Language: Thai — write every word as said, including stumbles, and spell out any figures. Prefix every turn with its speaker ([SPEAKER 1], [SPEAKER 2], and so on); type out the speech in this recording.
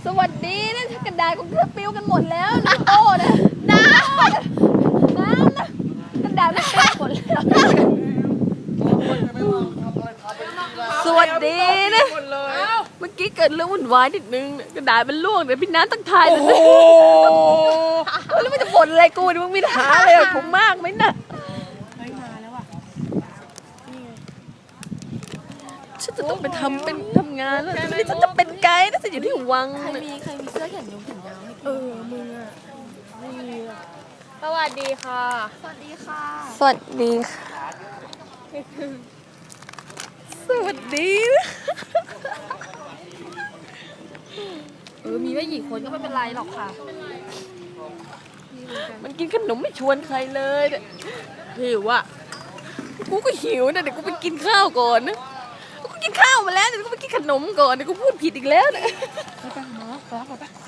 [SPEAKER 1] สวัสดีนะกระดาษของเธอปิ้วกันหมดแล้วนะโอ้นะน้ำน้ำนะกระดาษมันปิ้วหมดแล้วสวัสดีนะเมื่อกี้เกิดเรื่องวุ่นวายนิดนึงกระดาษมันร่วงเดี๋ยวพี่น้ำต้องทายเลยนะแล้วมันจะบ่นอะไรกูมึงมีหาอะไรกับผมมากไหมน่ะฉันจะต้องไปทำเป็นทำงานแล้วนี่ฉันจะเป็นไกด์นะฉันอยู่ที่วัง
[SPEAKER 2] ใครมีใครมีเสื้อแขนยาวแขนยาวให้
[SPEAKER 1] เออมึงอ่ะ
[SPEAKER 2] ไม่มีอะสวัสดีค่ะ
[SPEAKER 1] สวัสดีค่ะ
[SPEAKER 3] สวัสดีค่ะ
[SPEAKER 1] สวัสดี
[SPEAKER 2] เออมีไม่กี่คนก็ไม่เป็นไรหรอกค่ะ
[SPEAKER 1] มันกินขนมไม่ชวนใครเลยเนี่ยหิวอ่ะกูก็หิวนะเดี๋ยวกูไปกินข้าวก่อนนะกูกินข้าวมาแล้วเดี๋ยวกูไปกินขนมก่อนเดี๋ยวกูพูดผิดอีกแล้วเนี่ย
[SPEAKER 2] ไปไปหมอไปไป